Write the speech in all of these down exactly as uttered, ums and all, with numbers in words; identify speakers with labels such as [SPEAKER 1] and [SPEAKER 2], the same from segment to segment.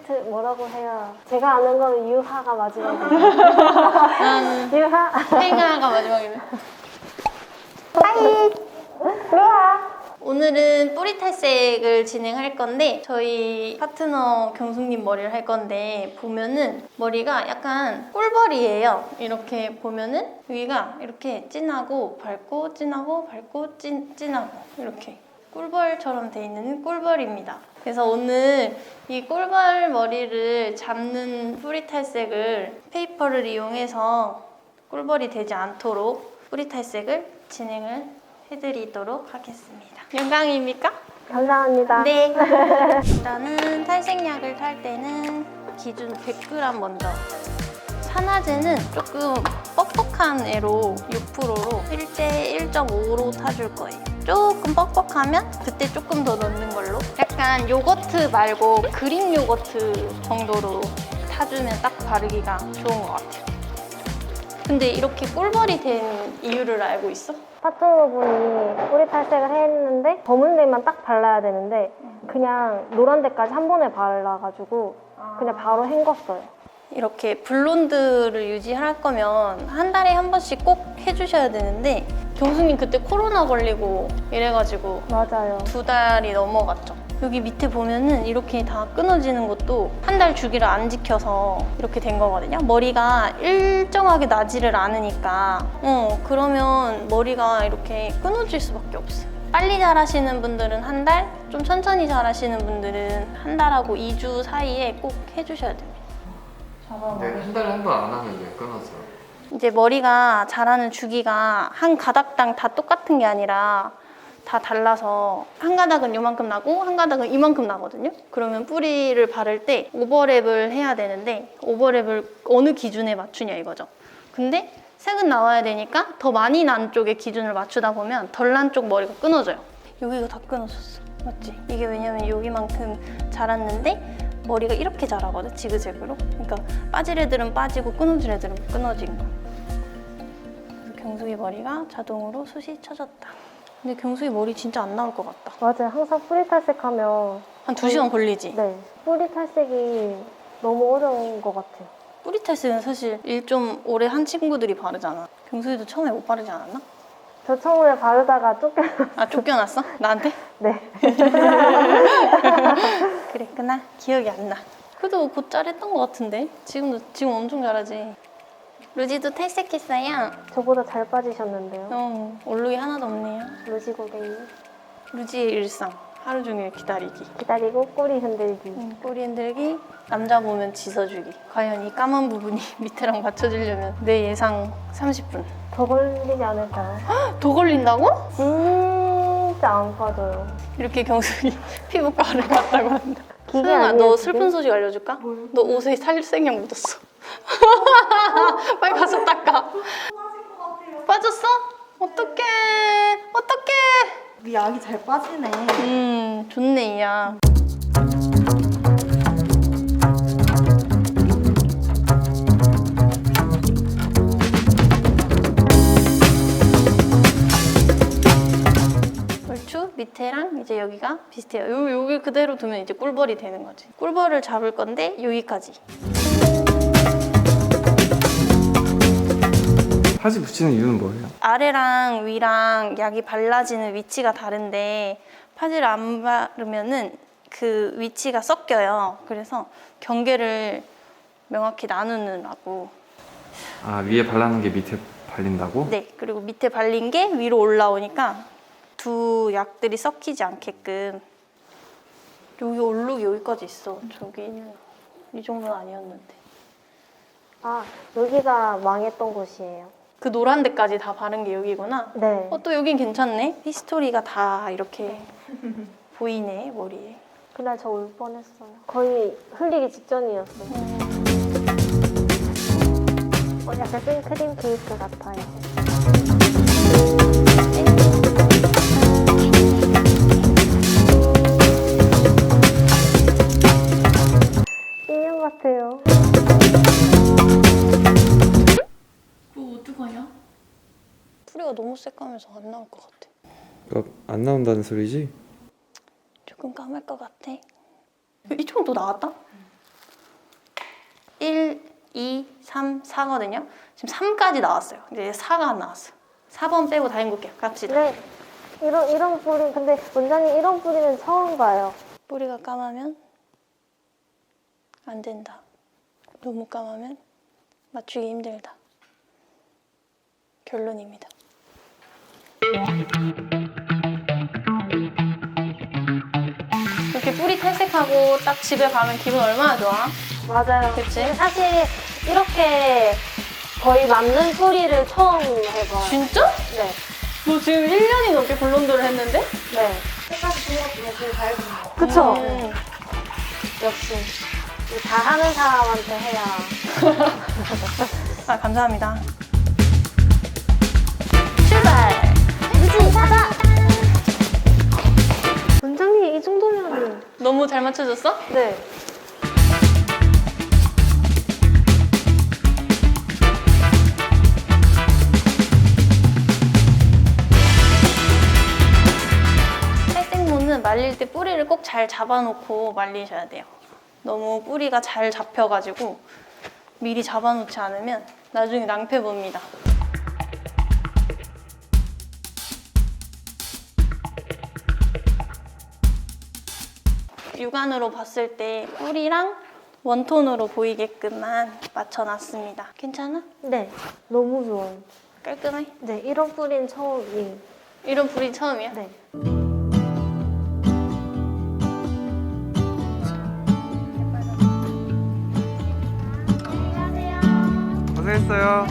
[SPEAKER 1] 힌트 뭐라고 해요? 제가 아는 거는 유하가 마지막이에요.
[SPEAKER 2] 나는
[SPEAKER 1] 유하?
[SPEAKER 2] 팽아가 마지막이네.
[SPEAKER 1] 빠이! 루하!
[SPEAKER 2] 오늘은 뿌리 탈색을 진행할 건데 저희 파트너 경숙님 머리를 할 건데 보면은 머리가 약간 꿀벌이에요. 이렇게 보면은 여기가 이렇게 진하고 밝고 진하고 밝고 찐, 진하고 이렇게 꿀벌처럼 돼 있는 꿀벌입니다. 그래서 오늘 이 꿀벌 머리를 잡는 뿌리 탈색을 페이퍼를 이용해서 꿀벌이 되지 않도록 뿌리 탈색을 진행을 해드리도록 하겠습니다. 영광입니까?
[SPEAKER 1] 감사합니다.
[SPEAKER 2] 네. 일단은 탈색약을 탈 때는 기준 백 그램 먼저. 산화제는 조금 뻑뻑한 애로 육 퍼센트로 일 대 일 점 오로 타줄 거예요. 조금 뻑뻑하면 그때 조금 더 넣는 걸로. 약간 요거트 말고 그릭 요거트 정도로 타주면 딱 바르기가 좋은 것 같아요. 근데 이렇게 꿀벌이 된 이유를 알고 있어?
[SPEAKER 1] 파트너분이 뿌리 탈색을 했는데 검은 데만 딱 발라야 되는데 그냥 노란 데까지 한 번에 발라가지고 그냥 바로 헹궜어요.
[SPEAKER 2] 이렇게 블론드를 유지할 거면 한 달에 한 번씩 꼭 해주셔야 되는데 경수님 그때 코로나 걸리고 이래가지고
[SPEAKER 1] 맞아요.
[SPEAKER 2] 두 달이 넘어갔죠. 여기 밑에 보면은 이렇게 다 끊어지는 것도 한 달 주기를 안 지켜서 이렇게 된 거거든요. 머리가 일정하게 나지를 않으니까 어 그러면 머리가 이렇게 끊어질 수밖에 없어요. 빨리 자라시는 분들은 한 달, 좀 천천히 자라시는 분들은 한 달하고 이 주 사이에 꼭 해주셔야 됩니다.
[SPEAKER 3] 근데 한 달에 한 번 안 하면 왜 끊어져?
[SPEAKER 2] 이제 머리가 자라는 주기가 한 가닥당 다 똑같은 게 아니라 다 달라서 한 가닥은 요만큼 나고 한 가닥은 이만큼 나거든요. 그러면 뿌리를 바를 때 오버랩을 해야 되는데 오버랩을 어느 기준에 맞추냐 이거죠. 근데 색은 나와야 되니까 더 많이 난 쪽의 기준을 맞추다 보면 덜 난 쪽 머리가 끊어져요. 여기가 다 끊어졌어. 맞지? 이게 왜냐면 여기만큼 자랐는데 머리가 이렇게 자라거든, 지그재그로. 그러니까 빠질 애들은 빠지고 끊어질 애들은 끊어진 거. 그래서 경숙이 머리가 자동으로 숱이 쳐졌다. 근데 경숙이 머리 진짜 안 나올 것 같다.
[SPEAKER 1] 맞아요. 항상 뿌리 탈색하면
[SPEAKER 2] 한 두 시간 걸리지?
[SPEAKER 1] 네, 뿌리 탈색이 너무 어려운 것 같아요.
[SPEAKER 2] 뿌리 탈색은 사실 일 좀 오래 한 친구들이 바르잖아. 경숙이도 처음에 못 바르지 않았나?
[SPEAKER 1] 저 처음에 바르다가 쫓겨
[SPEAKER 2] 아, 쫓겨났어? 나한테?
[SPEAKER 1] 네.
[SPEAKER 2] 그랬구나. 기억이 안 나. 그래도 곧 잘했던 것 같은데? 지금도, 지금 엄청 잘하지. 루지도 탈색했어요.
[SPEAKER 1] 저보다 잘 빠지셨는데요.
[SPEAKER 2] 어, 얼룩이 하나도 없네요.
[SPEAKER 1] 루지 고객님.
[SPEAKER 2] 루지의 일상. 하루 종일 기다리기.
[SPEAKER 1] 기다리고 꼬리 흔들기.
[SPEAKER 2] 음, 꼬리 흔들기, 남자 보면 짖어주기. 과연 이 까만 부분이 밑에랑 맞춰지려면 내 예상 삼십 분.
[SPEAKER 1] 더 걸리지 않을까요?
[SPEAKER 2] 더 걸린다고?
[SPEAKER 1] 진짜 안 빠져요.
[SPEAKER 2] 이렇게 경숙이 피부과를 갔다고 한다.
[SPEAKER 1] 기계
[SPEAKER 2] 소영아,
[SPEAKER 1] 아니에요,
[SPEAKER 2] 너
[SPEAKER 1] 기계?
[SPEAKER 2] 슬픈 소식 알려줄까? 뭐요? 너 옷에 살색약 묻었어. 빨리 가서 닦아. 빠졌어? 어떡해. 어떡해.
[SPEAKER 4] 이 약이 잘 빠지네.
[SPEAKER 2] 음, 좋네, 이 약. 얼추 밑에랑 이제 여기가 비슷해요. 요, 여기 그대로 두면 이제 꿀벌이 되는 거지. 꿀벌을 잡을 건데 여기까지.
[SPEAKER 3] 파지 붙이는 이유는 뭐예요?
[SPEAKER 2] 아래랑 위랑 약이 발라지는 위치가 다른데 파지를 안 바르면은 그 위치가 섞여요. 그래서 경계를 명확히 나누느라고.
[SPEAKER 3] 아, 위에 발라놓은 게 밑에 발린다고?
[SPEAKER 2] 네, 그리고 밑에 발린 게 위로 올라오니까 두 약들이 섞이지 않게끔. 여기 얼룩이 여기까지 있어. 저기는 이 정도는 아니었는데.
[SPEAKER 1] 아, 여기가 망했던 곳이에요.
[SPEAKER 2] 그 노란 데까지 다 바른 게 여기구나.
[SPEAKER 1] 네.
[SPEAKER 2] 어, 또 여긴 괜찮네. 히스토리가 다 이렇게 보이네, 머리에.
[SPEAKER 1] 그날 저 울 뻔했어요. 거의 흘리기 직전이었어요. 어, 약간 생크림 케이크 같아요. 인형 같아요.
[SPEAKER 2] 뭐 어떡하냐? 뿌리가 너무 새까매서 안 나올 것 같아.
[SPEAKER 3] 그러니까 안 나온다는 소리지?
[SPEAKER 2] 조금 까말 것 같아. 이쪽은 또 나왔다? 일, 이, 삼, 사거든요. 지금 삼까지 나왔어요. 이제 사가 안 나왔어. 사 번 빼고 다 헹굴게요. 갑시다.
[SPEAKER 1] 네. 이런 이런 뿌리 근데 원장님 이런 뿌리는 처음 봐요.
[SPEAKER 2] 뿌리가 까마면 안 된다. 너무 까마면 맞추기 힘들다. 결론입니다. 이렇게 뿌리 탈색하고 딱 집에 가면 기분 얼마나 좋아?
[SPEAKER 1] 맞아요.
[SPEAKER 2] 그치?
[SPEAKER 1] 사실 이렇게 거의 맞는 뿌리를 처음 해봐요.
[SPEAKER 2] 진짜?
[SPEAKER 1] 네.
[SPEAKER 2] 너 지금 일 년이 넘게 블론드를 했는데?
[SPEAKER 1] 네.
[SPEAKER 4] 색깔이 좋은 것 중에 제일 잘 보는 거.
[SPEAKER 1] 그쵸?
[SPEAKER 2] 음.
[SPEAKER 1] 역시 이다 하는 사람한테 해야.
[SPEAKER 2] 아, 감사합니다.
[SPEAKER 1] 출발! 무지 가자! 원장님 이 정도면
[SPEAKER 2] 너무 잘 맞춰줬어?
[SPEAKER 1] 네.
[SPEAKER 2] 탈색모는 말릴 때 뿌리를 꼭 잘 잡아놓고 말리셔야 돼요. 너무 뿌리가 잘 잡혀가지고 미리 잡아놓지 않으면 나중에 낭패 봅니다. 육안으로 봤을 때 뿌리랑 원톤으로 보이게끔만 맞춰놨습니다. 괜찮아?
[SPEAKER 1] 네. 너무 좋아요.
[SPEAKER 2] 깔끔해?
[SPEAKER 1] 네. 이런 뿌리는 처음이에요.
[SPEAKER 2] 이런 뿌리 처음이야?
[SPEAKER 1] 네.
[SPEAKER 3] 고생했어요.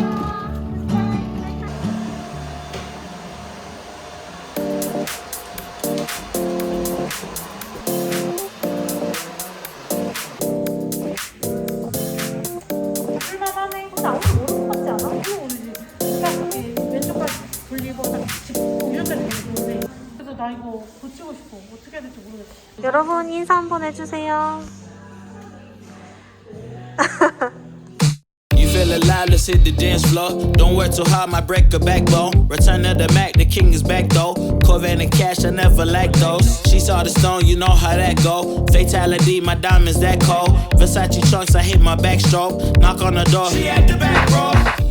[SPEAKER 4] 쓸만하네. 근데 아무도 모를 것 같지 않아? 이거 모르지. 딱 이렇게 왼쪽까지 돌리고 딱 짚고 이렇게 되면 좋은데. 그래서 나 이거 고치고 싶어. 어떻게 해야 될지 모르겠어.
[SPEAKER 1] 여러분 인사 한번 해주세요.
[SPEAKER 5] You feel alive, let's hit the dance floor. Don't work too hard, might break a backbone. Return of the Mac, the king is back though. Corvette and cash, I never lack those. She saw the stone, you know how that go. Fatality, my diamonds that cold. Versace trunks, I hit my backstroke. Knock on the door, she at the back, bro.